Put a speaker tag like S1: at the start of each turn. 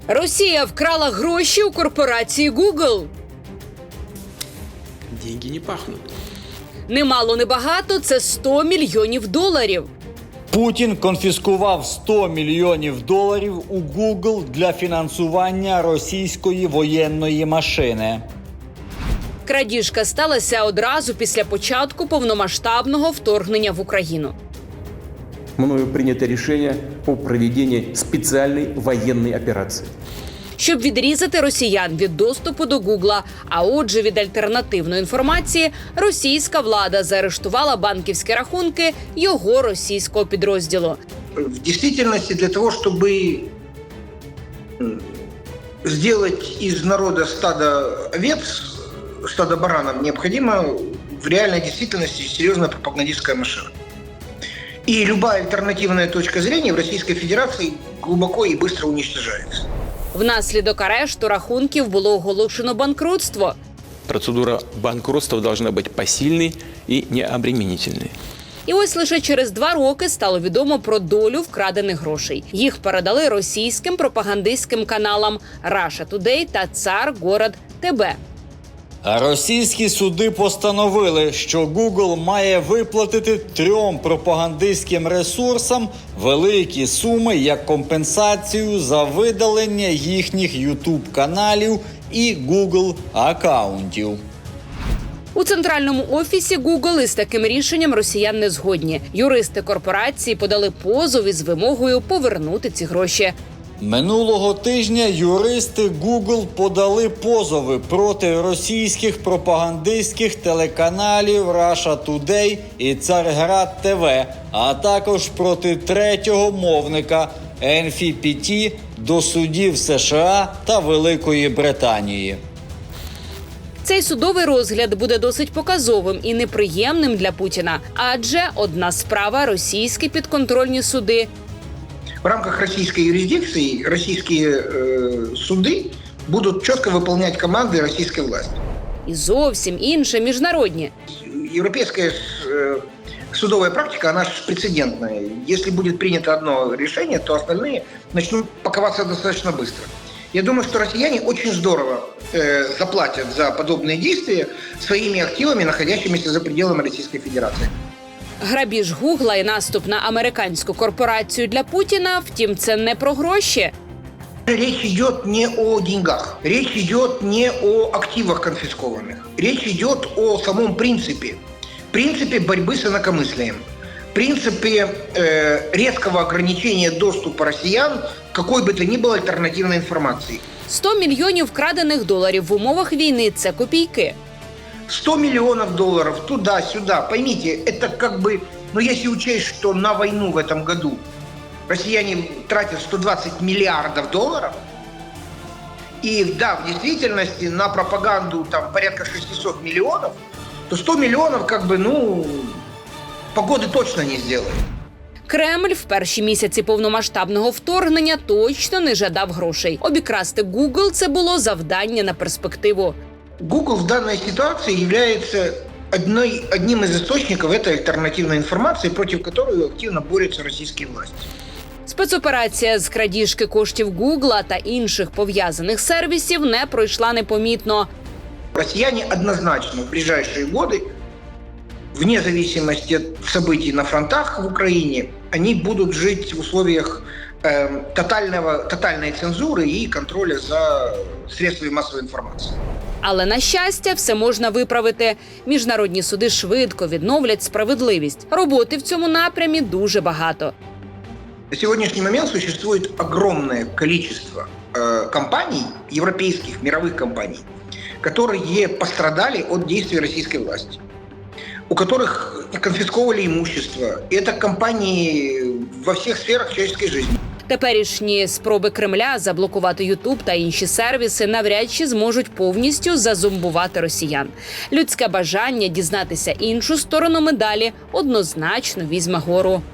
S1: Росія вкрала гроші у корпорації Google.
S2: Деньги не пахнут.
S1: Немало, небагато – це $100 мільйонів.
S3: Путін конфіскував $100 мільйонів у Google для фінансування російської воєнної машини.
S1: Крадіжка сталася одразу після початку повномасштабного вторгнення в Україну.
S4: Мною принято решение о проведении специальной военной операции.
S1: Щоб відрізати росіян від доступу до Гугла, а отже від альтернативної інформації, російська влада заарештувала банківські рахунки його російського підрозділу.
S5: В действительности для того, чтобы сделать из народа стадо овец, стадо баранов, необходимо в реальной действительности серьезная пропагандистская машина. И любая альтернативная точка зрения в Российской Федерации глубоко и быстро уничтожается.
S1: Внаслідок арешту рахунків було оголошено банкрутство.
S2: Процедура банкротства должна быть посильной и необременительной.
S1: І ось лише через 2 роки стало відомо про долю вкрадених грошей. Їх передали російським пропагандистським каналам Russia Today та Цар Город ТБ.
S3: А російські суди постановили, що Google має виплатити 3 пропагандистським ресурсам великі суми як компенсацію за видалення їхніх YouTube-каналів і Google-акаунтів.
S1: У центральному офісі Google із таким рішенням росіян не згодні. Юристи корпорації подали позов із вимогою повернути ці гроші.
S3: Минулого тижня юристи Google подали позови проти російських пропагандистських телеканалів Russia Today і Царград ТВ, а також проти третього мовника NFPT до судів США та Великої Британії.
S1: Цей судовий розгляд буде досить показовим і неприємним для Путіна. Адже одна справа – російські підконтрольні суди.
S5: В рамках российской юрисдикции российские суды будут четко выполнять команды российской власти.
S1: І зовсім інше – міжнародні.
S5: Европейская судовая практика, она же прецедентная. Если будет принято одно решение, то остальные начнут паковаться достаточно быстро. Я думаю, что россияне очень здорово заплатят за подобные действия своими активами, находящимися за пределами Российской Федерации.
S1: Грабіж Гугла і наступ на американську корпорацію для Путіна, втім, це не про гроші.
S5: Речь идет не о деньгах, речь идет не о активах конфискованных. Речь идет о самом принципе борьбы с инакомыслием, принципе резкого ограничения доступа россиян к какой бы то ни было альтернативной информации.
S1: $100 мільйонів вкрадених доларів в умовах війни – це копійки.
S5: $100 миллионов туда-сюда. Поймите, это как бы, если учесть, что на войну в этом году россияне тратят $120 миллиардов, и да, в действительности на пропаганду там порядка 600 миллионов, то 100 миллионов погоды точно не сделает.
S1: Кремль в перші місяці повномасштабного вторгнення точно не жадав грошей. Обікрасти Google – це було завдання на перспективу.
S5: Google в данной ситуации является одним из источников этой альтернативной информации, против которой активно борются российские власти.
S1: Спецоперація з крадіжки коштів Гугла та інших пов'язаних сервісів не пройшла непомітно.
S5: Россияне однозначно в ближайшие годы, вне зависимости от событий на фронтах в Украине, они будут жить в условиях тотальной цензуры и контроля за средствами массовой информации.
S1: Але, на щастя, все можна виправити. Міжнародні суди швидко відновлять справедливість. Роботи в цьому напрямі дуже багато.
S5: На сегодняшний момент существует огромное количество компаний, европейских, мировых компаний, которые пострадали от действий российской власти, у которых конфисковывали имущество. И это компании во всех сферах человеческой жизни.
S1: Теперішні спроби Кремля заблокувати YouTube та інші сервіси навряд чи зможуть повністю зазомбувати росіян. Людське бажання дізнатися іншу сторону медалі однозначно візьме гору.